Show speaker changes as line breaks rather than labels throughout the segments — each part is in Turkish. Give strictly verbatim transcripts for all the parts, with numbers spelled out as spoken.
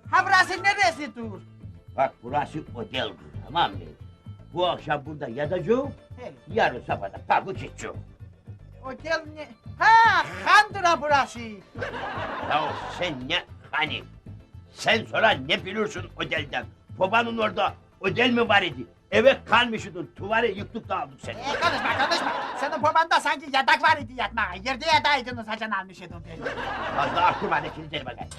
Ha burası neresi dur?
Bak burası otel, tamam mı? Bu akşam burada yatacağım,
He,
yarın sabah da kalkıp gideceğim.
otel ne? Ha, Kandıra burası.
Ya sen ne hani? Sen sonra ne bilirsin otelden? Babanın orada otel mi var idi? Eve kalmışydın, tuvarı yıktık da aldık seni.
Ee, konuşma konuşma. Senin babanda sanki yatak var idi yatmağa. Yerde yataydınız hacan almış idin beni.
Fazla aklım hadi kilitleri bakayım.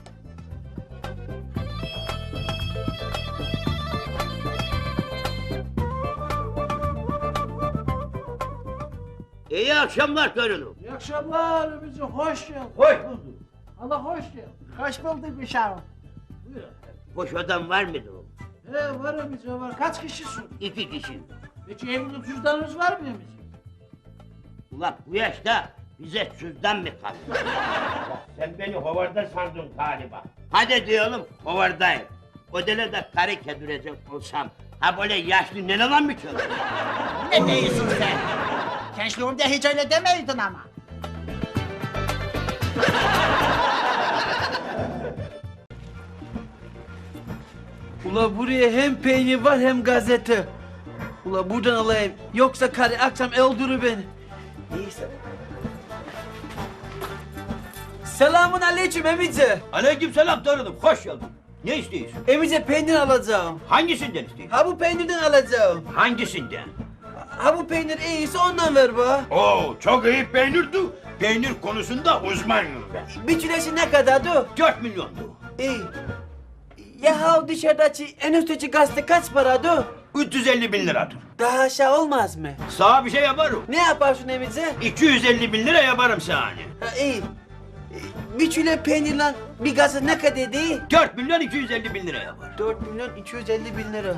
İyi akşamlar torunum.
İyi akşamlar Ümiciğim, hoş geldin.
Hoş bulduk.
Allah hoş geldin.
Hoş bulduk uşağım.
Buyur.
Boş adam var mıydı o?
He var Ümiciğim var. Kaç kişisin?
İki kişi.
Peki evlilik cüzdanınız var mı Ümiciğim?
Ulan bu yaşta bize cüzdan mı kaldı? Ya sen beni hovarda sandın galiba. Hadi diyelim hovardayım. Odele de karı kedirecek olsam, ha böyle yaşlı nenelan mı çalıyor?
Ne diyorsun sen? Gençliğimde hiç öyle demeydin ama.
Ula buraya hem peynir var hem gazete. Ula buradan alayım. Yoksa karı akşam öldürür beni. Neyse. Selamun aleyküm emice.
Aleykümselam torunum, hoş geldin. Ne istiyorsun?
Emice peynir alacağım.
Hangisinden istiyorsun?
Ha bu peynirden alacağım.
Hangisinden?
Ha bu peynir iyiyse ondan ver bana.
Oo, çok iyi peynirdi. Peynir konusunda uzmanım ben.
Bir kilesi ne kadardı?
Dört milyondu.
İyi. Ya ha dışarıdaki en üstteki gazete kaç paradı?
üç yüz elli bin liradır.
Daha aşağı olmaz mı?
Sana bir şey yaparım.
Ne yaparsın emice?
iki yüz elli bin lira yaparım sana.
Ha iyi. Bir kilo peynirle bir gazete ne kadar değil?
dört milyon iki yüz elli bin lira yapar.
dört milyon iki yüz elli bin lira.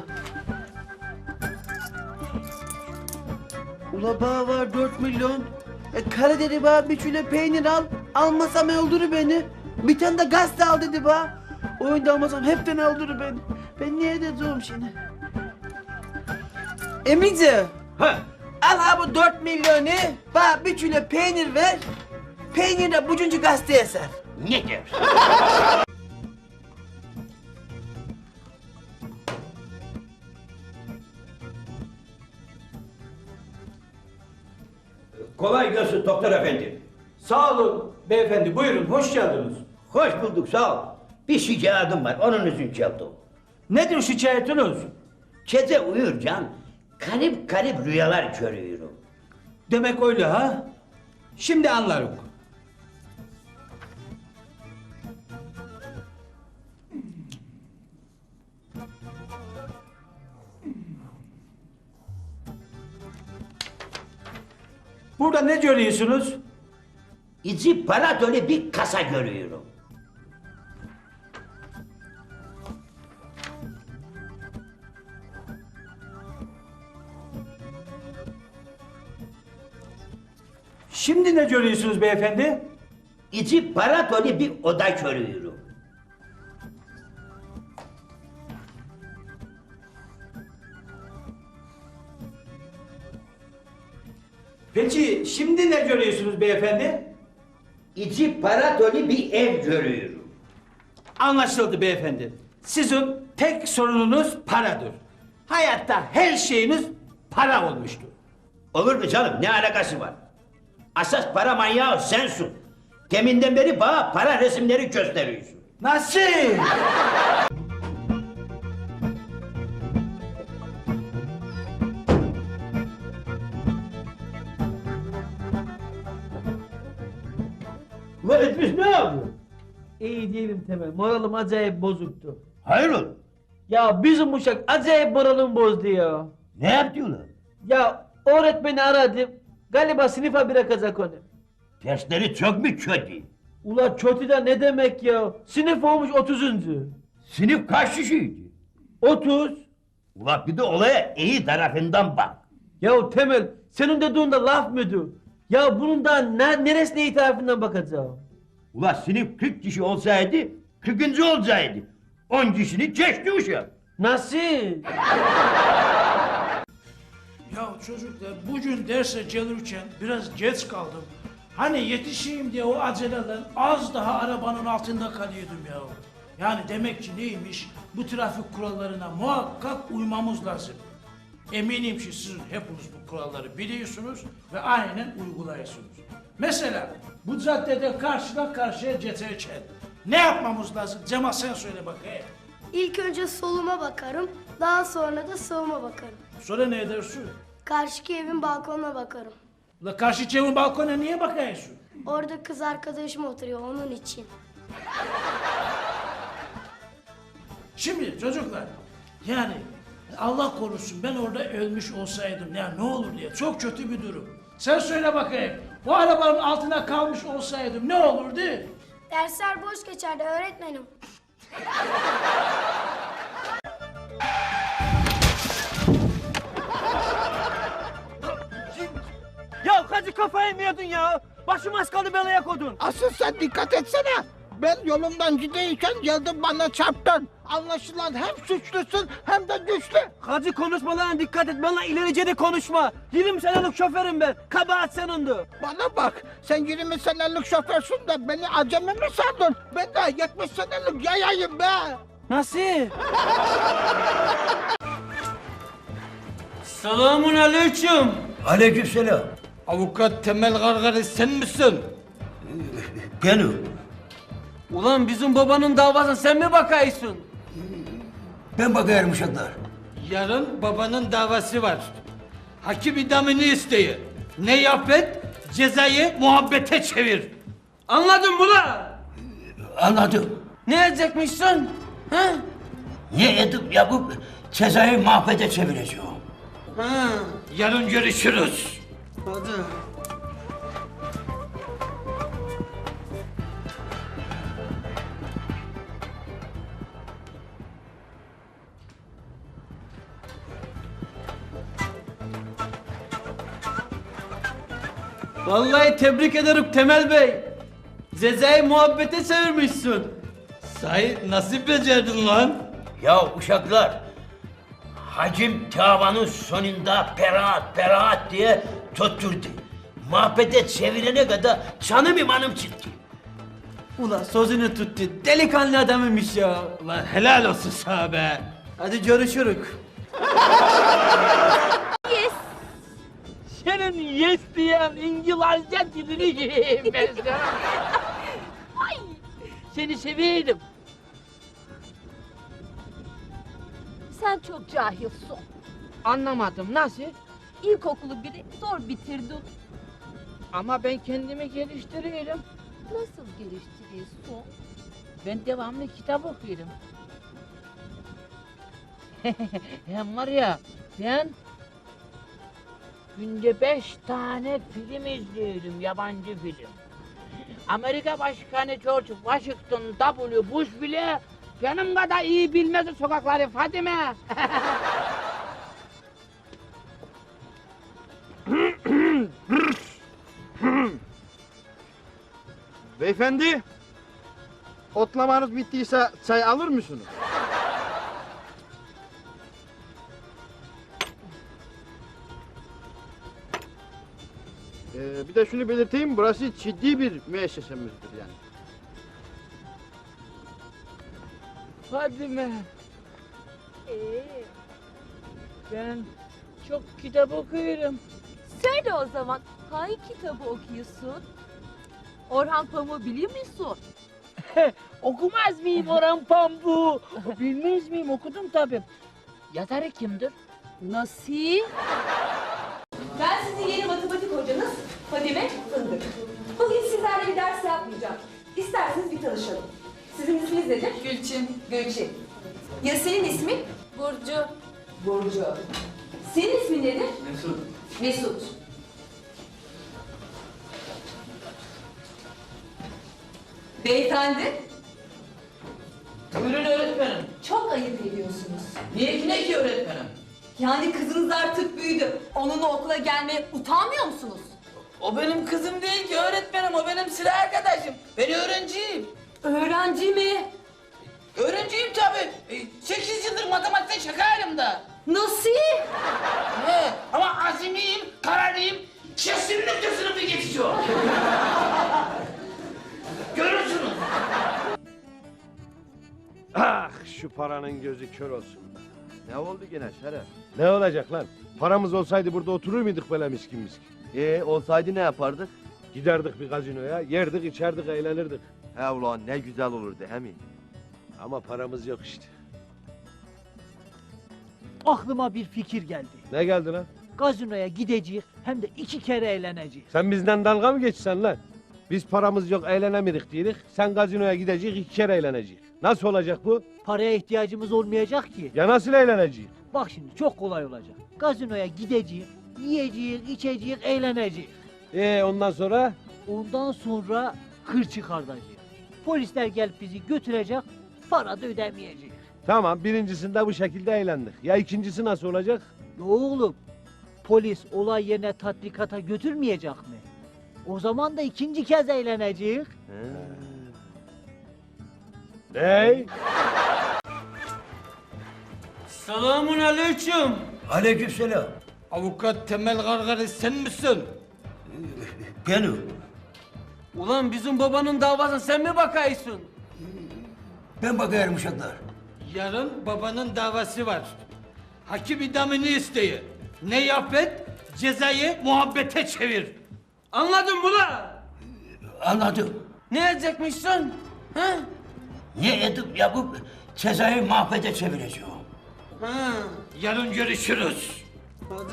Ula bağ var dört milyon. E karı dedi bana bir kilo peynir al. Almasam öldürür beni. Bir tane de gazete al dedi bana. Oyunda almasam hepten öldürür beni. Ben niye edeceğim şimdi? Emice.
Ha,
Al ha bu dört milyonu. Bana bir kilo peynir ver. Peynir de bucuncu gazeteye ser.
ne dersin? Kolay gelsin doktor efendi.
Sağ olun beyefendi, buyurun, hoş geldiniz.
Hoş bulduk, sağ ol. Bir şikayetim var, onun için geldim.
Nedir şikayetiniz?
Gece uyurken garip garip rüyalar görüyorum.
Demek öyle ha? Şimdi anlarım. Burada ne görüyorsunuz?
İçi para dolu bir kasa görüyorum.
Şimdi ne görüyorsunuz beyefendi?
İçi para dolu bir oda görüyorum.
Peki şimdi ne görüyorsunuz beyefendi?
İçi para dolu bir ev görüyorum.
Anlaşıldı beyefendi. Sizin tek sorununuz paradır. Hayatta her şeyiniz para olmuştur.
Olur mu canım, ne alakası var? Asas para manyağı sensin. Deminden beri bana para resimleri gösteriyorsun.
Nasıl?
Ulan etmiş ne yapıyor?
İyi değilim Temel. Moralim acayip bozuktu.
Hayır oğlum.
Ya bizim uşak acayip moralimi bozdu ya.
Ne yaptı ulan?
Ya öğretmeni aradım. Galiba sınıfa bırakacak onu.
Dersleri çok mu kötü?
Ula kötü de ne demek ya? Sınıf olmuş otuzuncu.
Sınıf kaç kişiydi?
Otuz.
Ulan bir de olaya iyi tarafından bak.
Ya Temel senin dediğin de laf mıydı? Ya bunun da ne, neresine iyi tarafından bakacağım?
Ulan sınıf kırk kişi olsaydı kırkıncı olacaktı. on kişini geçti uşak.
Nasıl?
Ya çocuklar bugün derse gelirken biraz geç kaldım. Hani yetişeyim diye o aceleyle az daha arabanın altında kalıyordum ya. Yani demek ki neymiş? Bu trafik kurallarına muhakkak uymamız lazım. Eminim ki siz hepiniz bu kuralları biliyorsunuz ve aynen uyguluyorsunuz. Mesela bu caddede karşıdan karşıya geçerken ne yapmamız lazım? Cemal sen söyle bakayım.
İlk önce soluma bakarım, daha sonra da sağıma bakarım.
Sonra ne edersin?
Karşıki evin balkonuna bakarım.
La karşı evin balkona niye bakıyorsun?
Orada kız arkadaşım oturuyor onun için.
Şimdi çocuklar, yani Allah korusun ben orada ölmüş olsaydım ya ne olur diye çok kötü bir durum. Sen söyle bakayım, bu arabanın altına kalmış olsaydım ne olurdu?
Dersler boş geçerdi öğretmenim.
Ya Hacı kafayı mı yedin ya? Başım az kaldı belaya kodun.
Asıl sen dikkat etsene. Ben yolumdan gideyken geldin bana çarptın. Anlaşılan hem suçlusun hem de güçlü.
Hacı konuşmalarına dikkat et, bana ilerice de konuşma. yirmi senelik şoförüm ben, kabahat senindu.
Bana bak, sen yirmi senelik şoförsün de beni acemi mi sandın? Ben de yetmiş senelik yayayım be.
Nasıl? Selamun aleyküm.
Aleykümselam.
Avukat Temel Gargari sen misin?
Benim.
Ulan bizim babanın davasına sen mi bakıyorsun?
Ben bakıyorum uşaklar.
Yarın babanın davası var. Hakim idamını isteyi. Ne yap et? Cezayı muhabbete çevir.
Anladın mı lan?
Anladım.
Ne edecekmişsin? Ha?
Ne edip yapıp cezayı mahvede çevireceğim.
Ha.
Yarın görüşürüz.
Hadi. Vallahi tebrik ederim Temel Bey. Cezayı muhabbete çevirmişsin.
Sahi nasıl becerdin lan?
Ya uşaklar, hacim davanın sonunda beraat beraat diye tutturdu. Mahvede çevirene kadar canım imanım çıktı.
Ulan sözünü tuttu. Delikanlı adamıymış ya.
Ulan helal olsun sana be.
Hadi görüşürük.
Senin yes diyen İngilizce dilini yiyeyim ben sana. Ay, seni seveydim.
Sen çok cahilsin.
Anlamadım, nasıl?
İlkokulu bile zor bitirdin.
Ama ben kendimi geliştiriyorum.
Nasıl geliştiriyorsun?
Ben devamlı kitap okuyorum. Hem var ya, ben günde beş tane film izliyorum, yabancı film. Amerika Başkanı George Washington W. Bush bile benim kadar iyi bilmez o sokakları Fadime.
Beyefendi, otlamanız bittiyse çay alır mısınız? Ee, bir de şunu belirteyim, burası ciddi bir müessesemizdir yani.
Fadime,
Ee,
ben çok kitap okuyorum.
söyle o zaman hangi kitabı okuyorsun? Orhan Pamuk'u biliyor musun?
Okumaz mıyım Orhan Pamuk'u? Bilmez miyim? Okudum tabii. Yazarı kimdir?
Nasıl?
Ben sizin yeni matematik hocanız Fadime Fındık. Bugün sizlerle bir ders yapmayacağım. İsterseniz bir tanışalım. Sizin isminiz nedir? Gülçin. Gülçin. Ya senin ismin?
Burcu.
Burcu. Senin ismin nedir? Mesut. Mesut. Beyefendi,
Buyurun öğretmenim.
çok ayıp ediyorsunuz.
Niye ki ne ki öğretmenim?
Yani kızınız artık büyüdü. Onunla okula gelmeye utanmıyor musunuz?
O benim kızım değil ki öğretmenim. O benim sıra arkadaşım. Ben öğrenciyim.
Öğrenci mi?
Öğrenciyim tabii. E, Sekiz yıldır matematikte şakayım da.
Nasıl?
He, ama azimiyim, kararlıyım. Kesinlikle sınıfı geçiyor. Görürsünüz.
şu paranın gözü kör olsun.
Ne oldu gene Şeref?
Ne olacak lan? Paramız olsaydı burada oturur muyduk böyle miskin miskin?
Ee olsaydı ne yapardık?
Giderdik bir gazinoya, yerdik, içerdik, eğlenirdik.
He ulan ne güzel olurdu he mi?
Ama paramız yok işte.
Aklıma bir fikir geldi.
Ne geldi lan?
Gazinoya gideceğiz hem de iki kere eğleneceğiz.
Sen bizden dalga mı geçsen lan? Biz paramız yok, eğlenemirik diyedik. Sen gazinoya gidecek, iki kere eğlenecek. Nasıl olacak bu?
Paraya ihtiyacımız olmayacak ki.
Ya nasıl eğlenecek?
Bak şimdi çok kolay olacak. Gazinoya gideceğiz, yiyeceğiz, içeceğiz, eğleneceğiz.
Ee ondan sonra?
Ondan sonra hır çıkartacağız. Polisler gelip bizi götürecek, para da ödemeyeceğiz.
Tamam, birincisinde bu şekilde eğlendik. Ya ikincisi nasıl olacak?
Ya oğlum, polis olay yerine tatbikata götürmeyecek mi? O zaman da ikinci kez eğleneceğiz.
Ney?
Selamun aleyküm.
Aleykümselam.
Avukat Temel Gargari sen misin?
Benim.
Ulan bizim babanın davasına sen mi bakıyorsun?
Ben bakıyorum uşaklar.
Yarın babanın davası var. Hakim idamını isteyi. Ne yap et? Cezayı muhabbete çevir. Anladın mı lan?
Anladım.
Ne edecekmişsin? Ha?
Ne edip yapıp cezayı mahvede çevireceğim.
Ha, yarın görüşürüz. Hadi.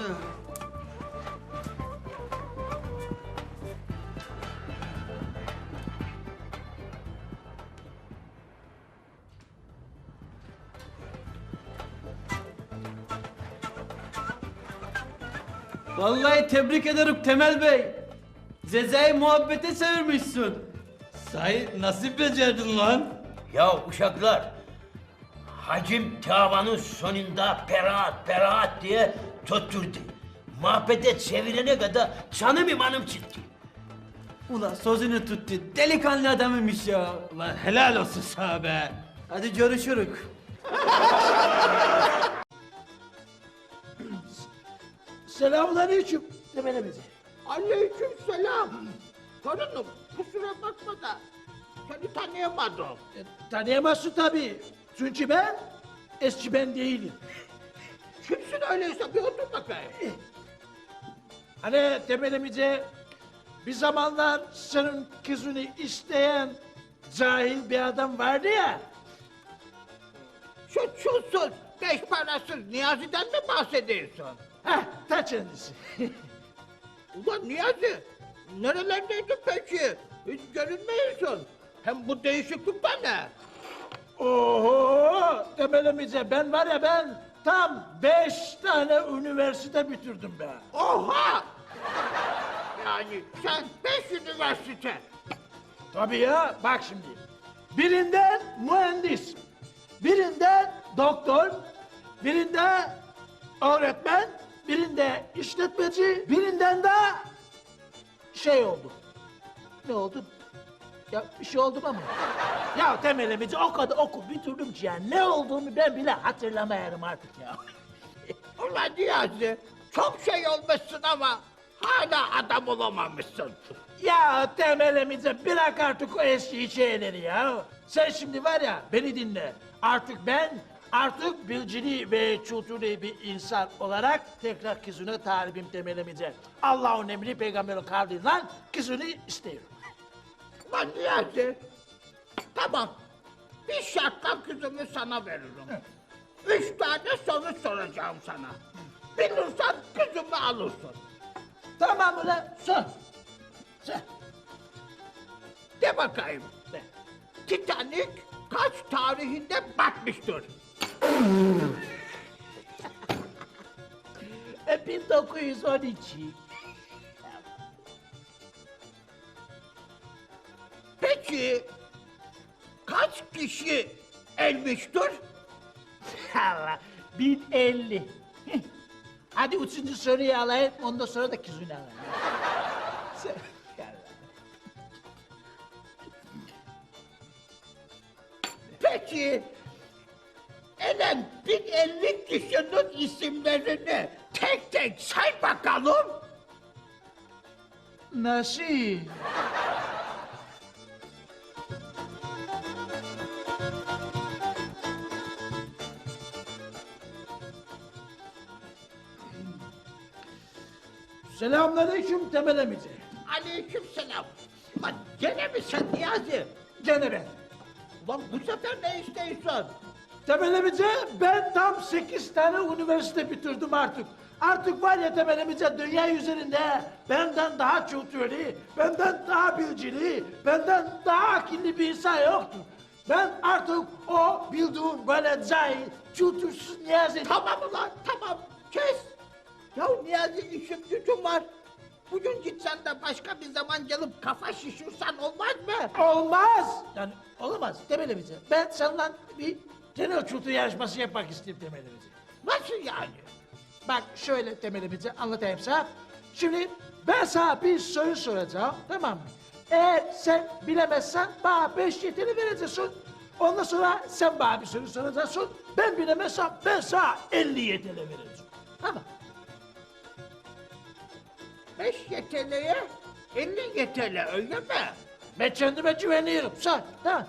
Vallahi tebrik ederim Temel Bey. Cezayı muhabbete çevirmişsin. Sahi nasıl becerdin lan?
Ya uşaklar, hacim davanın sonunda beraat beraat diye tutturdu. Mahvede çevirene kadar canım imanım çıktı.
Ulan sözünü tuttu. Delikanlı adamıymış ya. Ulan helal olsun sana be. Hadi görüşürük.
Selamünaleyküm. Demene bize. Aleyküm selam. Torunum kusura bakma da seni tanıyamadım.
E, tanıyamazsın tabii. Çünkü ben eski ben değilim.
Kimsin öyleyse bir otur bakayım.
Hani temelimize bir zamanlar senin kızını isteyen cahil bir adam vardı ya.
Şu çulsuz, beş parasız Niyazi'den mi bahsediyorsun?
Heh, ta kendisi.
Ulan Niyazi, nerelerdeydin peki? Hiç görünmüyorsun. Hem bu değişiklik de ne?
Oho! Temelimize ben var ya ben tam beş tane üniversite bitirdim be.
Oha! Yani sen beş üniversite.
Tabii ya, bak şimdi. Birinden mühendis, birinden doktor, birinde öğretmen, birinde işletmeci, birinden de şey oldu. Ne oldu? Ya bir şey oldu ama. Ya temelimizi o kadar okul bitirdim ki ya ne olduğumu ben bile hatırlamıyorum artık ya.
Ulan Niyazi, çok şey olmuşsun ama hala adam olamamışsın.
Ya temelimize bırak artık o eski şeyleri ya. Sen şimdi var ya beni dinle. Artık ben artık bilgili ve kültürlü bir insan olarak tekrar kızına talibim temelimize. Allah'ın emri peygamberin kavliyle kızını istiyorum.
Ulan Niyazi, tamam. Bir şartla kızımı sana veririm. Üç tane soru soracağım sana. Bilirsen kızımı alırsın.
Tamam ulan sor. Sor.
De bakayım.
De.
Titanic kaç tarihinde batmıştır?
E, bin dokuz yüz on iki.
Peki kaç kişi ölmüştür?
Allah, bin elli. Hadi üçüncü soruyu alayım, ondan sonra da kızını alayım. Sen-
Peki elen bin elli kişinin isimlerini tek tek say bakalım.
Nasıl? Selamünaleyküm Temel emici.
Aleyküm selam. Ulan gene mi sen Niyazi?
Gene ben.
Ulan bu sefer ne istiyorsun?
Temel emici, ben tam sekiz tane üniversite bitirdim artık. Artık var ya Temel emici, dünya üzerinde benden daha kültürlü, benden daha bilgili, benden daha akıllı bir insan yoktur. Ben artık o bildiğin böyle cahil, kültürsüz Niyazi.
Tamam ulan tamam kes. Ya Niyazi işim gücüm var. Bugün gitsen de başka bir zaman gelip kafa şişirsen olmaz mı?
Olmaz. Yani olamaz Temel emici. Ben senden bir genel kültür yarışması yapmak istiyorum Temel emici.
Nasıl yani?
Bak şöyle Temel emici anlatayım sana. Şimdi ben sana bir soru soracağım, tamam mı? Eğer sen bilemezsen bana beş yetini vereceksin. Ondan sonra sen bana bir soru soracaksın. Ben bilemezsem ben sana elli yetini vereceğim. Tamam.
Beş yeteneğe elli yetene öyle mi?
Ben kendime güveniyorum. Sen, tamam.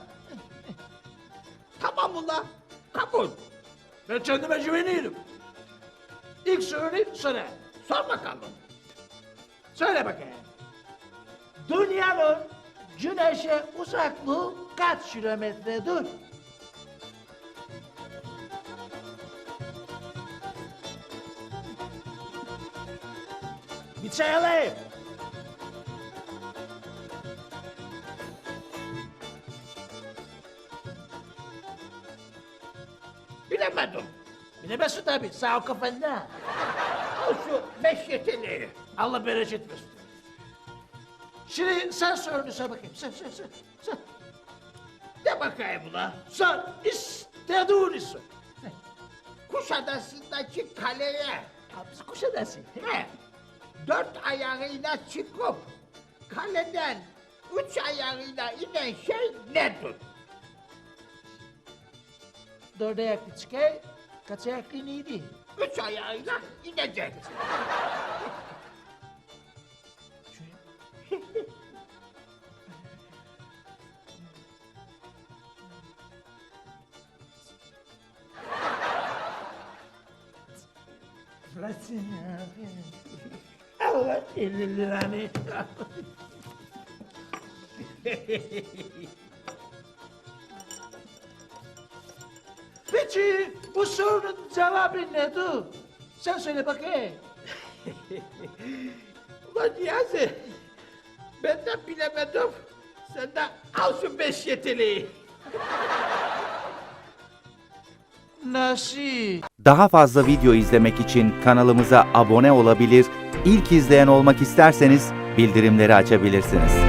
Tamam ulan kabul.
Ben kendime güveniyorum. İlk soruyu sorayım.
Sor bakalım.
Söyle bakayım. Dünyanın güneşe uzaklığı kaç kilometredir? Bir çay alayım.
Bilemedim.
Bilemezsin tabii, sağ ol kafanda.
Al şu beş yeteneği.
Allah bereket versin. Şimdi sen sorunu sor bakayım, sen, sen, sen, sen.
De bakayım ulan.
Sor, istediğini sor.
Kuşadası'ndaki kaleye
Hapsi Kuşadası.
he, dört ayağıyla çıkıp kaleden üç ayağıyla inen şey nedir?
Dört ayaklı çıkay, kaç ayaklı neydi?
Üç ayağıyla inecek.
Bıraksın ya. Allah elli liranı. Peki bu sorunun cevabı nedir? Sen söyle bakayım.
Ulan Niyazi, ben de bilemedim. Sen de al şu beş yeteneği.
Nasıl?
Daha fazla video izlemek için kanalımıza abone olabilir, ilk izleyen olmak isterseniz bildirimleri açabilirsiniz.